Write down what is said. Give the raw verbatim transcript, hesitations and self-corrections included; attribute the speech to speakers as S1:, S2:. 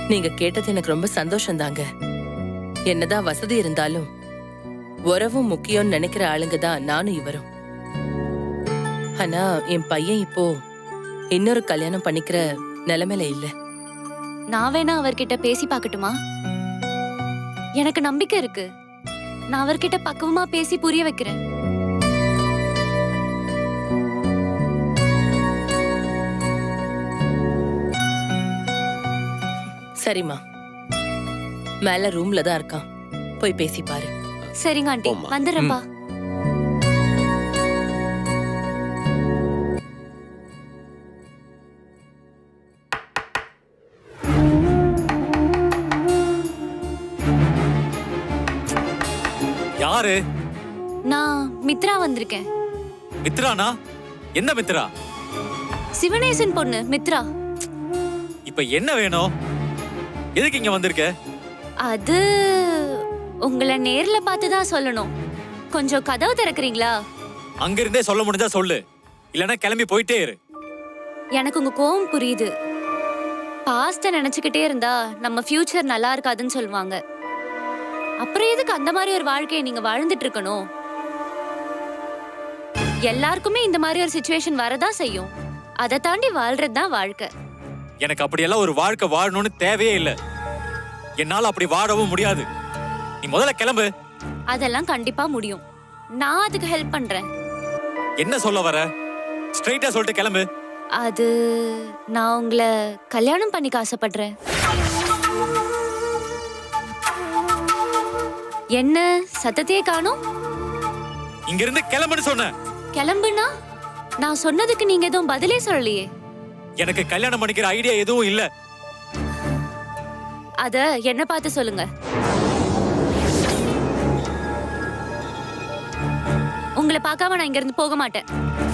S1: நீங்க கேட்டது எனக்கு ரொம்ப சந்தோஷம் தாங்க. என்னதான் வசதி இருந்தாலும் உறவும் முக்கியம்னு நினைக்கிற ஆளுங்க தான் நானும் இவரும். ஆனா என் பையன் இப்போ இன்னொரு கல்யாணம் பண்ணிக்கிற நிலைமையில இல்ல.
S2: நான் வேணா அவர்கிட்ட பேசி பார்க்கட்டுமா? எனக்கு நம்பிக்கை இருக்கு. நான் அவர்கிட்ட பக்குவமா பேசி புரிய வைக்கிறேன்.
S1: சரிம்மா, மேல ரூம்ல தான் இருக்கான், போய் பேசி பாரு.
S2: சரிங்க ஆண்டி, வந்துடுறேன்ப்பா.
S3: யாரு?
S2: நான் மித்ரா வந்திருக்கேன்.
S3: மித்ரானா? என்ன மித்ரா?
S2: சிவனேசன் பொண்ணு மித்ரா.
S3: இப்ப என்ன வேணும்? எதுக்கு இங்க வந்திருக்க?
S2: அது உங்களை நேர்ல பார்த்து தான் சொல்லணும். கொஞ்சம் கதவு திறக்கிறீங்களா?
S3: அங்க இருந்தே சொல்ல முடிஞ்சா சொல்லு, இல்லனா கிளம்பி போயிட்டே இரு.
S2: எனக்கு உங்க கோவம் புரியுது. பாஸ்ட நினைச்சுக்கிட்டே இருந்தா நம்ம ஃபியூச்சர் நல்லா இருக்காதுன்னு சொல்லுவாங்க. அப்புறம் எதுக்கு அந்த மாதிரி ஒரு வாழ்க்கையை நீங்க வாழ்ந்துட்டு இருக்கணும்? எல்லாருக்குமே இந்த மாதிரி ஒரு சிச்சுவேஷன் வரதா செய்யும். அதை தாண்டி வாழ்றதுதான் வாழ்க்கை.
S3: எனக்கு அப்படியெல்லாம் ஒரு வாழ்க்கை வாழணும்னு தேவையே இல்ல. என்னால அப்படி வாழவும் முடியாது. நீ முதல்ல கிளம்பு.
S2: அதெல்லாம் கண்டிப்பா முடியும். நான் அதுக்கு ஹெல்ப் பண்றேன்.
S3: என்ன சொல்ல வர? ஸ்ட்ரைட்டா சொல்லிட்டு கிளம்பு.
S2: அது நான் உங்களை கல்யாணம் பண்ணிக்க ஆசைப்படுறேன். என்ன சத்தத்தையே காணோம்?
S3: இங்க இருந்து கிளம்புன்னு சொன்ன.
S2: கிளம்புனா நான் சொன்னதுக்கு நீங்க எதுவும் பதிலே சொல்லலையே.
S3: எனக்கு கல்யாணம் பண்ணிக்கிற ஐடியா எதுவும் இல்ல.
S2: அத என்ன பார்த்து சொல்லுங்க. உங்களை பார்க்காம நான் இங்க இருந்து போக மாட்டேன்.